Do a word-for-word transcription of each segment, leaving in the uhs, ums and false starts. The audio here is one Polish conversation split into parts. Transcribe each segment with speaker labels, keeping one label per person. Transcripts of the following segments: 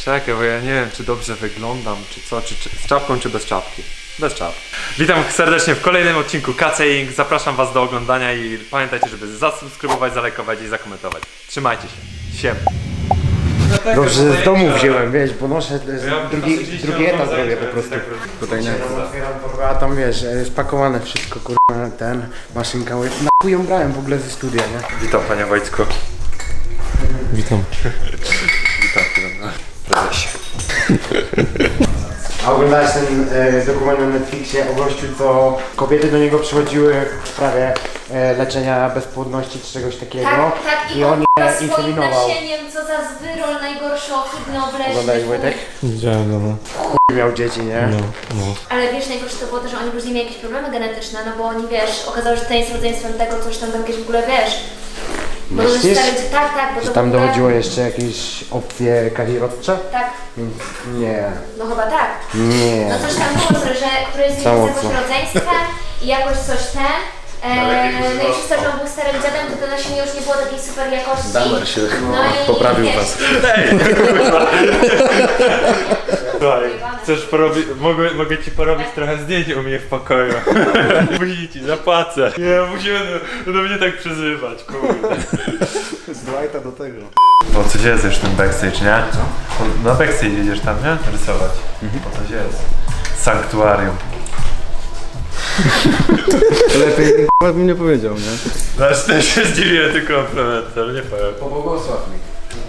Speaker 1: Czekaj, bo ja nie wiem, czy dobrze wyglądam, czy co, czy, czy z czapką, czy bez czapki. Bez czapki. Witam serdecznie w kolejnym odcinku K C Inc. Zapraszam was do oglądania i pamiętajcie, żeby zasubskrybować, zalajkować i zakomentować. Trzymajcie się. Siem.
Speaker 2: Dobrze, z domu wziąłem, wiesz, bo noszę drugi, drugi etap robię po prostu. Tutaj nie. Otwieram torbę, a tam wiesz, spakowane wszystko, kurwa, ten, maszynka, na chuj ją brałem w ogóle ze studia, nie?
Speaker 1: Witam panie Wojtku.
Speaker 3: Witam.
Speaker 1: Witam panie prezesie.
Speaker 2: A oglądałeś ten e, dokument na Netflixie o gościu, co kobiety do niego przychodziły w sprawie e, leczenia bezpłodności czy czegoś takiego.
Speaker 4: Tak, tak,
Speaker 2: i on
Speaker 4: je
Speaker 2: je
Speaker 4: swoim
Speaker 2: inseminował.
Speaker 4: nasieniem, co za zwyrol najgorszy, ohydny, obleśny.
Speaker 2: Oglądałeś, Wojtek?
Speaker 3: Widziałem, no.
Speaker 2: Chuj miał dzieci, nie?
Speaker 3: No, no.
Speaker 4: Ale wiesz, najgorsze to było to, że oni później mieli jakieś problemy genetyczne, no bo oni, wiesz, okazało się, że to jest rodzeństwem tego, coś tam, tam jakieś w ogóle, wiesz. Bo to
Speaker 2: Myślisz?
Speaker 4: stary, tak, tak, bo
Speaker 2: Czy
Speaker 4: to
Speaker 2: tam
Speaker 4: w ogóle...
Speaker 2: dochodziło jeszcze jakieś opcje kazirodcze?
Speaker 4: Tak,
Speaker 2: Nie.
Speaker 4: no chyba tak.
Speaker 2: Nie.
Speaker 4: No coś tam było, że któryś z
Speaker 2: Za
Speaker 4: nich jest
Speaker 2: mocno.
Speaker 4: jakoś rodzeństwem i jakoś coś ten. Eee, no i przez to, że on był starym dziadem, to to nasienie już nie było takiej super jakości.
Speaker 5: Damer się
Speaker 4: No i
Speaker 5: poprawił
Speaker 4: wiesz,
Speaker 5: was.
Speaker 1: Słuchaj, chcesz porobić, mogę, mogę ci porobić trochę zdjęć u mnie w pokoju. Musi ci, zapłacę. Nie, musimy do, do mnie tak przyzywać, kurde.
Speaker 5: Z Dwighta do tego.
Speaker 1: Po coś jest już ten backstage, nie? Po, na backstage jedziesz tam, nie? Rysować. Po coś jest. Sanktuarium.
Speaker 5: Lepiej k***a bym nie powiedział, nie?
Speaker 1: Znaczy też się zdziwiłem tylko komplement, ale nie powiem.
Speaker 2: Pobłogosław mi.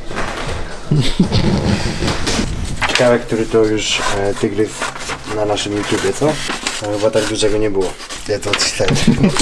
Speaker 2: Ciekawe, który to już e, tygrys na naszym YouTubie, co? No, chyba tak dużego nie było. Ja to odczytałem.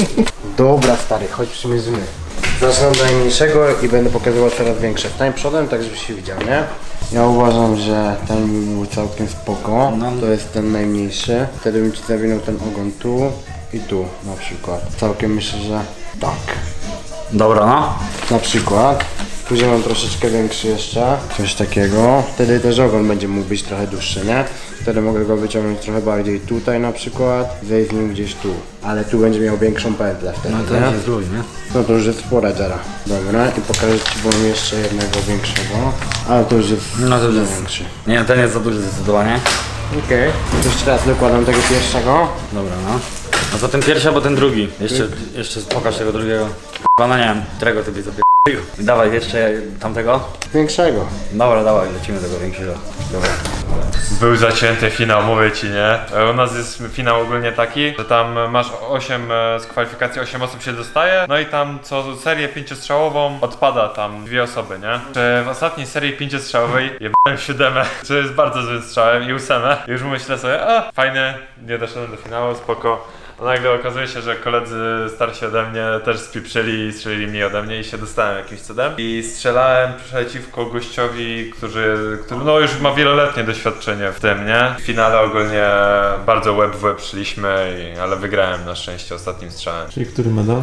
Speaker 2: Dobra stary, chodź przymierzymy. Zacznę od najmniejszego i będę pokazywał coraz większe. Wstań przodem, tak żebyś się widział, nie? Ja uważam, że ten był całkiem spoko. To jest ten najmniejszy. Wtedy bym ci zawinął ten ogon tu i tu na przykład. Całkiem myślę, że tak.
Speaker 5: Dobra, no.
Speaker 2: Na przykład. Później mam troszeczkę większy jeszcze, coś takiego. Wtedy też ogon będzie mógł być trochę dłuższy, nie? Wtedy mogę go wyciągnąć trochę bardziej tutaj na przykład, zejść z nim gdzieś tu. Ale tu będzie miał większą pętlę wtedy,
Speaker 5: No to
Speaker 2: nie?
Speaker 5: jest luj, nie?
Speaker 2: No to już jest spora dziara. Dobra, i pokażę ci, bo mam jeszcze jednego większego. Ale to już jest
Speaker 5: No to już jest...
Speaker 2: większy.
Speaker 5: Nie, ten jest za duży zdecydowanie.
Speaker 2: Okej. Okay. Jeszcze raz dokładam tego pierwszego.
Speaker 5: Dobra, no. No to ten pierwszy albo ten drugi. Jeszcze, jeszcze pokaż tego drugiego. Chyba no nie wiem, którego ty byś zapierdolił. Dawaj jeszcze tamtego.
Speaker 2: Większego.
Speaker 5: Dobra, dawaj, lecimy tego większego. Dobra.
Speaker 1: Był zacięty finał, mówię ci, nie? U nas jest finał ogólnie taki, że tam masz osiem z kwalifikacji, osiem osób się dostaje, no i tam co serię pięciostrzałową odpada tam dwie osoby, nie? Czy w ostatniej serii pięciostrzałowej jebałem siódemę, co jest bardzo złym strzałem i ósemę. I już myślę sobie, a fajnie, nie doszedłem do finału, spoko. A nagle okazuje się, że koledzy starsi ode mnie też spieprzyli i strzelili mniej ode mnie i się dostałem jakimś cudem. I strzelałem przeciwko gościowi, który, który no już ma wieloletnie doświadczenie w tym, nie? W finale ogólnie bardzo łeb w łeb szliśmy, i, ale wygrałem na szczęście ostatnim strzałem.
Speaker 3: Czyli który medal?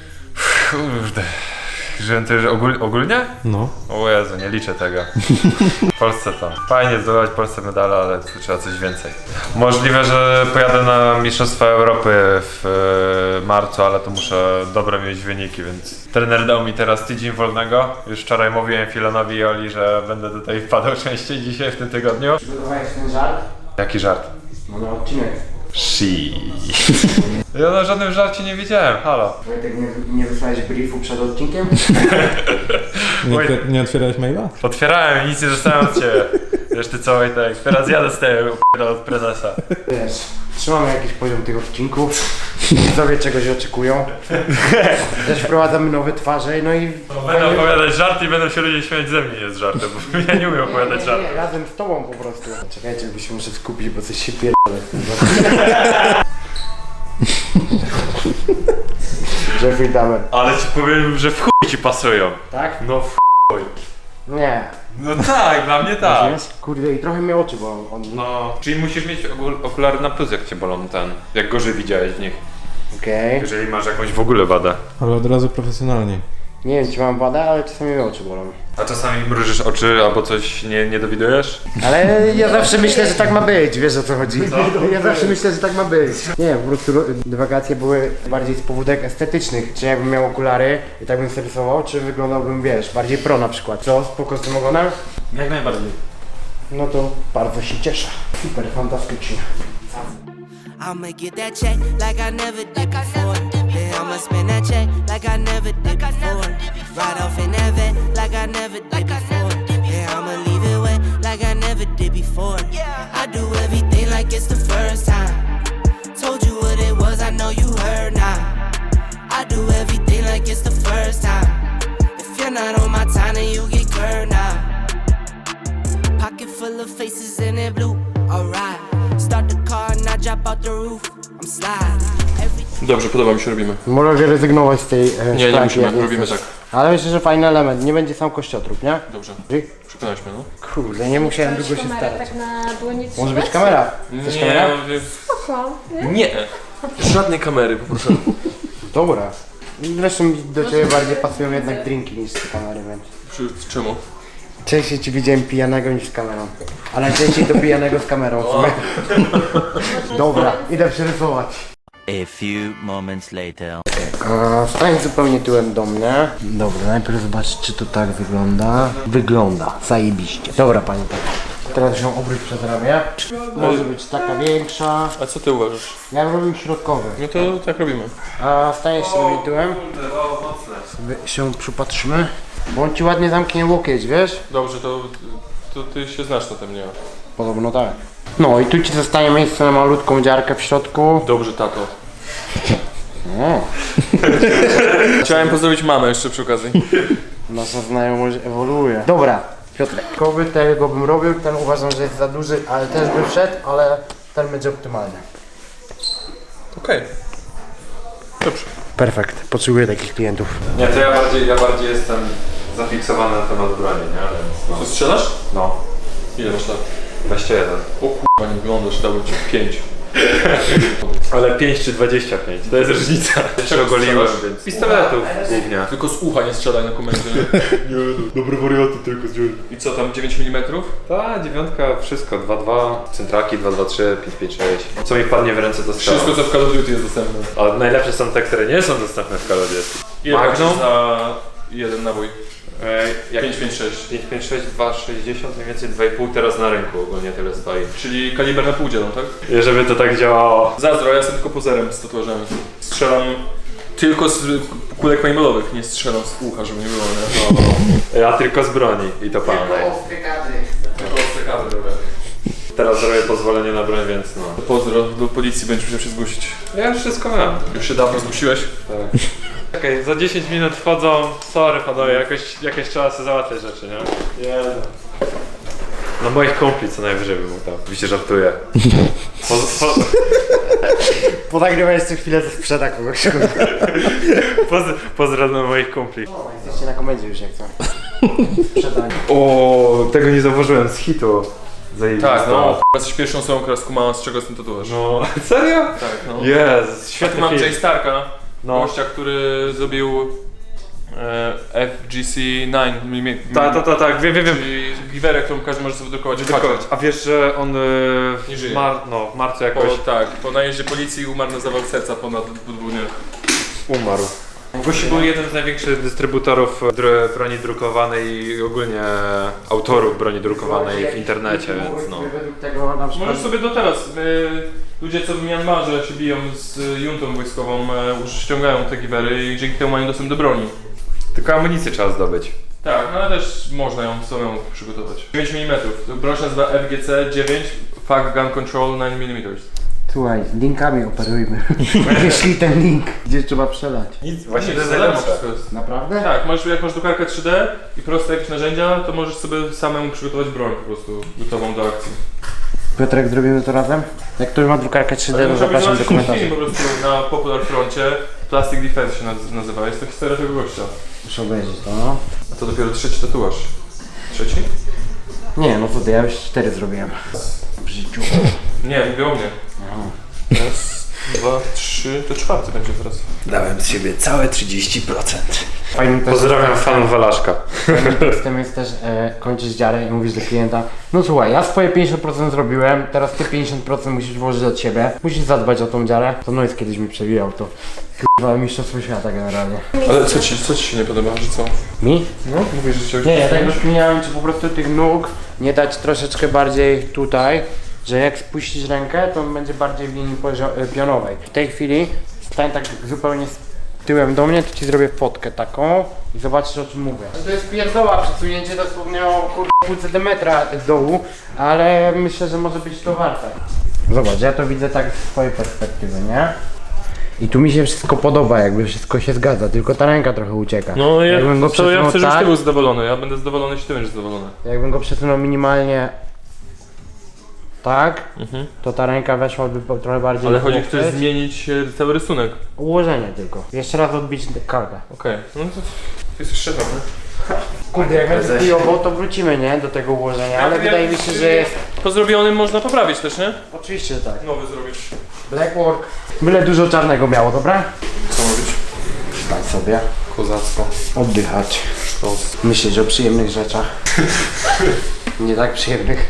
Speaker 1: Kurde. Że to już ogól, ogólnie?
Speaker 3: No.
Speaker 1: O Jezu, nie liczę tego. W Polsce to. Fajnie zdobywać Polsce medale, ale tu trzeba coś więcej. Możliwe, że pojadę na Mistrzostwa Europy w e, marcu, ale to muszę dobre mieć wyniki, więc trener dał mi teraz tydzień wolnego. Już wczoraj mówiłem Filonowi i Oli, że będę tutaj wpadał częściej dzisiaj w tym tygodniu.
Speaker 2: Przygotowałeś ten żart?
Speaker 1: Jaki żart?
Speaker 2: No na odcinek.
Speaker 1: Shit. Ja na żadnym żarcie nie wiedziałem, halo.
Speaker 2: Wojtek, nie, nie wysłałeś briefu przed odcinkiem?
Speaker 3: Nie,
Speaker 1: Oj.
Speaker 3: otwier- nie otwierałeś maila?
Speaker 1: Otwierałem i nic nie dostałem od ciebie. Wiesz ty co, Wojtek, teraz ja dostaję od prezesa.
Speaker 2: Wiesz, trzymamy jakiś poziom tych odcinków, widzowie czegoś oczekują. Też wprowadzamy nowe twarze, no i...
Speaker 1: Będę opowiadać żarty i będą się ludzie śmiać ze mnie jest żartem, bo ja nie umiem opowiadać
Speaker 2: nie,
Speaker 1: żartów.
Speaker 2: nie, razem z tobą po prostu. Czekajcie, bo się muszę skupić, bo coś się pierdolę. Jeffrey Dahmer.
Speaker 1: Ale ci powiem, że w chuj ci pasują.
Speaker 2: Tak?
Speaker 1: No w chuj.
Speaker 2: Nie.
Speaker 1: No tak, dla mnie tak.
Speaker 2: Kurde, i trochę mnie oczy bolą. On...
Speaker 1: No, czyli musisz mieć okul- okulary na plus, jak cię bolą ten, jak gorzej widziałeś w nich.
Speaker 2: Okej.
Speaker 1: Jeżeli masz jakąś w ogóle wadę.
Speaker 3: Ale od razu profesjonalnie.
Speaker 2: Nie wiem, czy mam wadę, ale czasami mnie oczy bolą.
Speaker 1: A czasami mrużysz oczy albo coś nie, nie dowidujesz?
Speaker 2: Ale ja zawsze myślę, że tak ma być, wiesz o co chodzi? Ja zawsze myślę, że tak ma być. Nie, po prostu dywagacje były bardziej z powódek estetycznych. Czy jakbym miał okulary i tak bym sobie rysował, czy wyglądałbym, wiesz, bardziej pro na przykład. Co, spoko z tym ogonem?
Speaker 5: Jak najbardziej.
Speaker 2: No to bardzo się cieszę. Super, fantastycznie.
Speaker 6: I'ma get that check like I never did before. Then I'ma spend that check like I never did before. Ride off in that vet like I never did before. Then I'ma leave it wet like I never did before. I do everything like it's the first time. Told you what it was, I know you heard now. I do everything like it's the first time. If you're not on my time, then you get curved now. Pocket full of faces in it blue, alright. Start the car and I drop out the roof. I'm sliding. Every
Speaker 7: Dobrze, podoba mi się, robimy.
Speaker 2: Mogę rezygnować z tej e,
Speaker 7: Nie, nie
Speaker 2: szklanki, jak
Speaker 7: musimy, robimy
Speaker 2: chcesz.
Speaker 7: tak.
Speaker 2: Ale myślę, że fajny element, nie będzie sam kościotrup, nie?
Speaker 7: Dobrze,
Speaker 2: Dzięki.
Speaker 7: przekonałeś mnie, no.
Speaker 2: Kurde, nie musiałem długo się starać.
Speaker 4: Tak na było nic
Speaker 2: Może być kamera? Chcesz kamera?
Speaker 7: nie, nie. Żadnej kamery, poproszę.
Speaker 2: Dobra. Zresztą do ciebie bardziej pasują jednak drinki niż z kamery, więc...
Speaker 7: Przy- Czemu?
Speaker 2: Częściej ci widziałem pijanego niż z kamerą. Ale częściej do pijanego z kamerą w sumie. Dobra, idę przerysować.
Speaker 8: A few moments later.
Speaker 2: A, stań zupełnie tyłem do mnie. Dobra, najpierw zobacz, czy to tak wygląda. Wygląda, zajebiście. Dobra, pani tak. Teraz ją obróć przez ramię. Może być taka większa.
Speaker 7: A co ty uważasz?
Speaker 2: Ja robię środkowy.
Speaker 7: No to tak robimy.
Speaker 2: A staniesz się do mnie tyłem. Sobie się przypatrzymy. Bo on ci ładnie zamknie łokieć, wiesz?
Speaker 7: Dobrze, to, to ty się znasz na tym, nie?
Speaker 2: Podobno tak. No i tu ci zostaje miejsce na malutką dziarkę w środku.
Speaker 7: Dobrze, tato.
Speaker 2: O,
Speaker 7: Chciałem pozdrowić mamę jeszcze przy okazji.
Speaker 2: nasza znajomość ewoluuje. Dobra, Piotrek. Koby tego bym robił, ten uważam, że jest za duży, ale też by wszedł, ale ten będzie optymalny.
Speaker 7: Okej. Dobrze.
Speaker 2: Perfekt, potrzebuję takich klientów.
Speaker 1: Nie, to ja bardziej, ja bardziej jestem zafiksowany na temat broni, nie? Więc,
Speaker 7: To strzelasz?
Speaker 1: no,
Speaker 7: Ile masz lat?
Speaker 1: dwadzieścia jeden.
Speaker 7: O kurwa, nie wyglądasz, dałbym ci pięć.
Speaker 1: Ale pięć czy dwadzieścia pięć, to jest różnica. Jeszcze ogoliłem,
Speaker 7: strzelasz?
Speaker 1: więc... Pistoletów głównie.
Speaker 7: Tylko z ucha nie strzelaj na komendzie. Nie, no, dobre wariaty tylko z dziury. I co tam, dziewięć milimetrów?
Speaker 1: Ta dziewiątka, wszystko, dwa dwa, centraki dwa dwa trzy, pięć pięć sześć. Co mi wpadnie w ręce to strzelam.
Speaker 7: Wszystko co w Call of Duty jest dostępne.
Speaker 1: A najlepsze są te, które nie są dostępne w Call of Duty.
Speaker 7: Ile
Speaker 1: Magnum?
Speaker 7: płacisz za jeden nabój?
Speaker 1: Jak
Speaker 7: pięć pięć sześć.
Speaker 1: pięć pięć sześć, dwa sześćdziesiąt, mniej więcej dwa i pół teraz na rynku ogólnie tyle stoi.
Speaker 7: Czyli kaliber na pół dzielą, tak?
Speaker 1: I żeby to tak działało.
Speaker 7: Zazdro, ja jestem tylko pozerem z tatuażami. Strzelam tylko z kulek paintballowych, nie strzelam z ucha, żeby nie było, nie?
Speaker 1: Ja tylko z broni i to palnej.
Speaker 7: Tylko ostre kadry, dobra.
Speaker 1: Teraz zrobię pozwolenie na broń, więc no.
Speaker 7: Pozdro, do policji będziesz musiał się zgłosić.
Speaker 1: Ja już wszystko mam.
Speaker 7: Już się dawno zgłosiłeś?
Speaker 1: Tak. Okej, za dziesięć minut wchodzą. Sorry panowie, jakoś, jakoś trzeba sobie załatwiać rzeczy, nie? Nie no. No moich kumpli co najwyżej bym mógł tam. Oczywiście żartuję. Po, po,
Speaker 2: Ponagrywaj jeszcze chwilę, to sprzeda kogoś.
Speaker 1: poz, pozdro dla moich kumpli.
Speaker 2: Jesteście na komendzie już jak co. Sprzedanie.
Speaker 1: O, tego nie zauważyłem z hitu. Zajebista.
Speaker 7: Tak, no. Jesteś pierwszą osobą, która skumała, z czego jest ten tatuaż.
Speaker 1: No, serio?
Speaker 7: Tak, no.
Speaker 1: Jest,
Speaker 7: Tu
Speaker 1: świetny
Speaker 7: mam
Speaker 1: film.
Speaker 7: Jay Starka,
Speaker 1: No.
Speaker 7: gościa, który zrobił e, F G C dziewięć.
Speaker 1: Tak, tak, tak, tak, wiem, wiem, wiem.
Speaker 7: Czyli giwerę, którą każdy może sobie wydrukować w
Speaker 1: Tylko,
Speaker 7: pakiet.
Speaker 1: a wiesz, że on y,
Speaker 7: Nie żyje.
Speaker 1: w, mar, no, w marcu
Speaker 7: Po,
Speaker 1: jakoś
Speaker 7: tak, po najeździe policji umarł na zawał serca ponad dwóch dniach.
Speaker 1: umarł. Gościu był jeden z największych dystrybutorów dr- broni drukowanej i ogólnie autorów broni drukowanej w internecie, więc no.
Speaker 2: Według tego na przykład...
Speaker 7: Możesz sobie do teraz, y, ludzie co w Mianmarze się biją z y, juntą wojskową, y, już ściągają te giwery i dzięki temu mają dostęp do broni.
Speaker 1: Tylko amunicję trzeba zdobyć.
Speaker 7: Tak, no ale też można ją samemu przygotować. dziewięć milimetrów, broń się nazywa F G C dziewięć, Fuck Gun Control dziewięć milimetrów.
Speaker 2: Słuchaj, linkami operujmy. Wyślij ten link, gdzie trzeba przelać.
Speaker 1: Nic, właśnie
Speaker 7: Nie,
Speaker 1: to jest
Speaker 7: za darmo
Speaker 1: najlepsze.
Speaker 7: wszystko jest.
Speaker 2: Naprawdę?
Speaker 7: Tak, masz, jak masz drukarkę trzy D i proste jakieś narzędzia, to możesz sobie samemu przygotować broń po prostu gotową do akcji.
Speaker 2: Piotrek, zrobimy to razem? Jak ktoś ma drukarkę trzy D, to
Speaker 7: Muszę
Speaker 2: zapraszam do
Speaker 7: zobaczyć
Speaker 2: komentarzy.
Speaker 7: film po prostu na Popular Froncie, Plastic Defense się naz- nazywa, jest to historia tego gościa.
Speaker 2: Muszę obejrzeć to, no.
Speaker 7: A to dopiero trzeci tatuaż. Trzeci?
Speaker 2: Nie, no co ty, ja już cztery zrobiłem. W życiu.
Speaker 7: Nie, mówię o mnie. Raz, dwa, trzy, to czwarty będzie teraz.
Speaker 2: Dałem z siebie całe trzydzieści procent. Fajnym też,
Speaker 1: Pozdrawiam fanów Walaszka.
Speaker 2: fajnym tekstem jest też e, kończysz dziarę i mówisz do klienta: no słuchaj, ja swoje pięćdziesiąt procent zrobiłem, teraz ty pięćdziesiąt procent musisz włożyć od siebie, musisz zadbać o tą dziarę. To no jest kiedyś mi przewijał to. Chyba mistrzostwo świata generalnie.
Speaker 7: Ale co ci, co ci się nie podoba, że co?
Speaker 2: Mi?
Speaker 7: No, mówisz, że chciałeś...
Speaker 2: Nie, ja tak rozkminiałem, czy po prostu tych nóg nie dać troszeczkę bardziej tutaj, że jak spuścisz rękę, to on będzie bardziej w linii pozio- e, pionowej. W tej chwili stań tak zupełnie z tyłem do mnie, to ci zrobię fotkę taką i zobaczysz, o czym mówię. To jest pierdoła, przesunięcie dosłownie o kurde pół centymetra z dołu, ale myślę, że może być to warte. Zobacz, ja to widzę tak z twojej perspektywy, nie? I tu mi się wszystko podoba, jakby wszystko się zgadza, tylko ta ręka trochę ucieka.
Speaker 7: No ja,
Speaker 2: Jakbym go
Speaker 7: to ja
Speaker 2: przesunął
Speaker 7: chcę, żebyś
Speaker 2: tak,
Speaker 7: ty był zadowolony, ja będę zadowolony, jeśli ty będziesz zadowolony.
Speaker 2: jakbym go przesunął minimalnie tak,
Speaker 7: Mhm.
Speaker 2: to ta ręka weszłaby po- trochę bardziej
Speaker 7: Ale
Speaker 2: w
Speaker 7: chodzi,
Speaker 2: łokcie.
Speaker 7: chcesz zmienić e, cały rysunek.
Speaker 2: Ułożenie tylko. Jeszcze raz odbić kalkę.
Speaker 7: Okej, no to ty jesteś szefem, nie?
Speaker 2: Kurde, jak będzie chujowo, to wrócimy, nie? Do tego ułożenia, ale
Speaker 7: Jak-
Speaker 2: wydaje mi się, że jest...
Speaker 7: Po zrobionym można poprawić też, nie?
Speaker 2: Oczywiście, że tak.
Speaker 7: Nowy zrobić.
Speaker 2: Black work. Byle dużo czarnego miało, dobra?
Speaker 7: Co mówić?
Speaker 2: Stać sobie.
Speaker 7: Kozactwo.
Speaker 2: Oddychać.
Speaker 7: Sztos.
Speaker 2: Myśleć o przyjemnych rzeczach. Nie tak przyjemnych.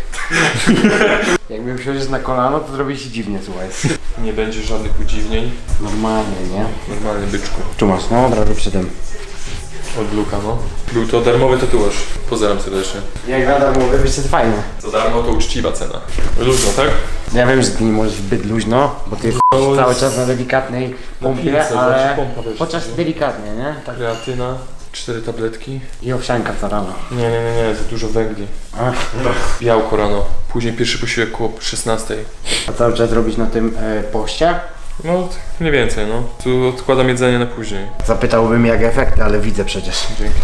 Speaker 2: Jakbym wsiąść na kolano, to zrobi się dziwnie, słuchaj.
Speaker 7: Nie będzie żadnych udziwnień.
Speaker 2: Normalnie, nie?
Speaker 7: Normalny byczku.
Speaker 2: Tu masz, no od razu przy tym.
Speaker 7: Od Luka, no. Był to darmowy tatuaż. Pozdrawiam serdecznie.
Speaker 2: Jak nadal mówię, wiesz, to jest fajne.
Speaker 7: Za darmo to uczciwa cena. Luźno, tak?
Speaker 2: Ja wiem, że ty nie możesz zbyt luźno, bo ty jesteś cały czas na delikatnej pompie,
Speaker 7: pilce,
Speaker 2: ale
Speaker 7: znaczy pompa, wiesz,
Speaker 2: chociaż
Speaker 7: nie?
Speaker 2: delikatnie, nie? Tak.
Speaker 7: Kreatyna. Cztery tabletki.
Speaker 2: I owsianka co rano.
Speaker 7: Nie, nie, nie, nie, za dużo węgli.
Speaker 2: A,
Speaker 7: Białko rano. Później pierwszy posiłek koło szesnastej.
Speaker 2: a cały czas robić na tym e, poście?
Speaker 7: No, tak mniej więcej, no. Tu odkładam jedzenie na później.
Speaker 2: Zapytałbym jak efekty, ale widzę przecież.
Speaker 7: Dzięki.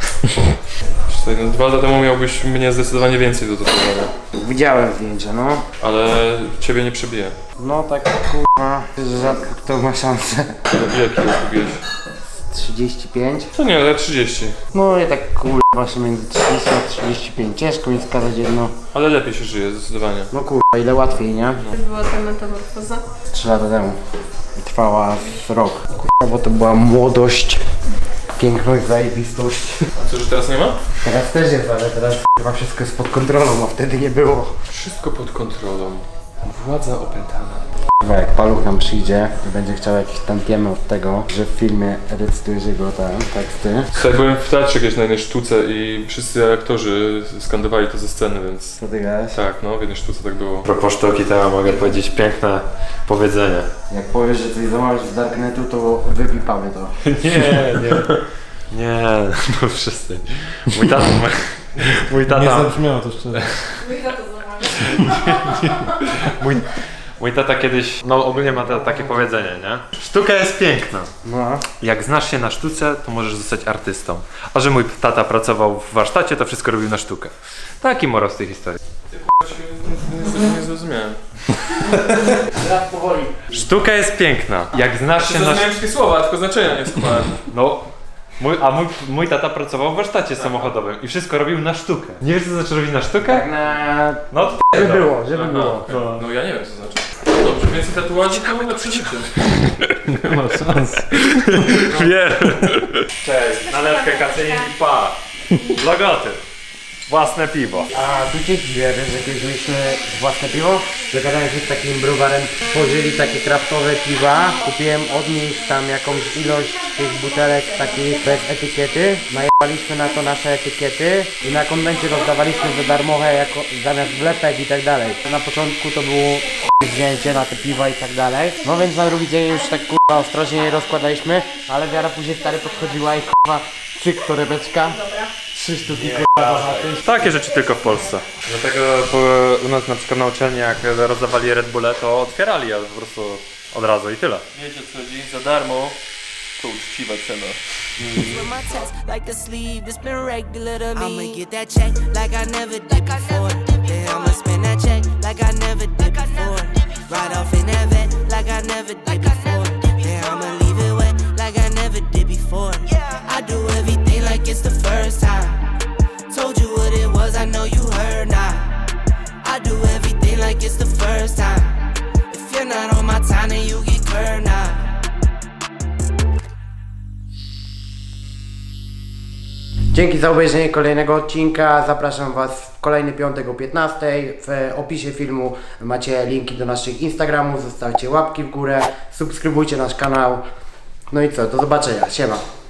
Speaker 7: Tutaj, no, dwa lata temu miałbyś mnie zdecydowanie więcej do tatuowania.
Speaker 2: Widziałem zdjęcia, no.
Speaker 7: Ale ciebie nie przebiję.
Speaker 2: No tak kurwa, że rzadko kto ma szansę.
Speaker 7: Ile kilo kupiłeś?
Speaker 2: trzydzieści pięć.
Speaker 7: To nie, ale trzydzieści.
Speaker 2: No i tak kurwa właśnie między trzydzieści a trzydzieści pięć. Ciężko mi wskazać jedno.
Speaker 7: Ale lepiej się żyje, zdecydowanie.
Speaker 2: No kurwa, ile łatwiej, nie?
Speaker 9: Była ta metamorfoza.
Speaker 2: Trzy lata temu. I trwała z rok. Kurwa, bo to była młodość, piękność, zajebistość.
Speaker 7: A co, że teraz nie ma?
Speaker 2: Teraz też jest, ale teraz chyba wszystko jest pod kontrolą, a wtedy nie było.
Speaker 7: Wszystko pod kontrolą. Władza opętana.
Speaker 2: Kurwa, jak Paluch nam przyjdzie i będzie chciał jakieś tantiemy od tego, że w filmie recytujesz jego te teksty.
Speaker 7: Słuchaj, byłem w teatrze kiedyś na jednej sztuce i wszyscy aktorzy skandowali to ze sceny, więc...
Speaker 2: Co ty gadałeś?
Speaker 7: Tak, no, w jednej sztuce tak było.
Speaker 1: A propos sztuki, to ja mogę powiedzieć piękne powiedzenie.
Speaker 2: Jak powiesz, że coś zamawiasz z Darknetu, to wypipamy to.
Speaker 1: Nie, nie. Nie, no wszyscy. Mój tata, mój, mój
Speaker 3: Nie
Speaker 1: tata,
Speaker 3: zabrzmiało to szczerze.
Speaker 1: mój, mój tata kiedyś, no ogólnie ma ta, takie powiedzenie, nie? Sztuka jest piękna.
Speaker 2: No.
Speaker 1: Jak znasz się na sztuce, to możesz zostać artystą. A że mój tata pracował w warsztacie, to wszystko robił na sztukę. Taki morał z tej historii.
Speaker 7: Niestety nie zrozumiałem.
Speaker 2: Teraz powoli.
Speaker 1: Sztuka jest piękna. Jak znasz się na
Speaker 7: Zrozumiałem wszystkie słowa, tylko znaczenia nie skupałem.
Speaker 1: No, mój, a mój, mój tata pracował w warsztacie samochodowym i wszystko robił na sztukę. Nie wiesz co znaczy robić na sztukę?
Speaker 2: Tak na...
Speaker 1: No to
Speaker 2: Żeby było, żeby było.
Speaker 7: No, no ja nie wiem co znaczy. No dobrze, więcej tatuaży to lepsze życie.
Speaker 3: Nie ma szans.
Speaker 1: wiem. Cześć, nalewkę kacyni i pa. Logoty. Własne piwo.
Speaker 2: A tu cię dziwię, wiesz, że kiedyś mieliśmy własne piwo, zagadałem się z takim browarem, tworzyli takie kraftowe piwa, kupiłem od nich tam jakąś ilość tych butelek takich bez etykiety, najebaliśmy na to nasze etykiety i na konwencie rozdawaliśmy za darmowe jako, zamiast wlepek i tak dalej. Na początku to było chuj zdjęcie na te piwa i tak dalej, no więc na drugi dzień już tak kurwa ostrożnie je rozkładaliśmy, ale wiara później stary podchodziła i kurwa cyk torebeczka. Trzy sztuki kurwa do chaty.
Speaker 1: Takie rzeczy tylko w Polsce. Dlatego po, u nas na przykład na uczelni jak rozdawali Red Bulle, to otwierali je po prostu od razu i tyle.
Speaker 7: Wiecie co chodzi? Za darmo to uczciwa cena.
Speaker 6: With my chest like the sleeve, it's been regular to me. I'ma get that check like I never did before. Then I'ma spend that check like I never did before. Ride off in that vet like I never did before. Then I'ma leave it wet like I never did before. I do everything like it's the first time. Told you what it was, I know you heard now. I do everything like it's the first time. If you're not on my time, then you get
Speaker 2: Dzięki za obejrzenie kolejnego odcinka. Zapraszam Was w kolejny piątek o piętnastej. W opisie filmu macie linki do naszych Instagramów. Zostawcie łapki w górę, subskrybujcie nasz kanał. No i co, do zobaczenia. Siema.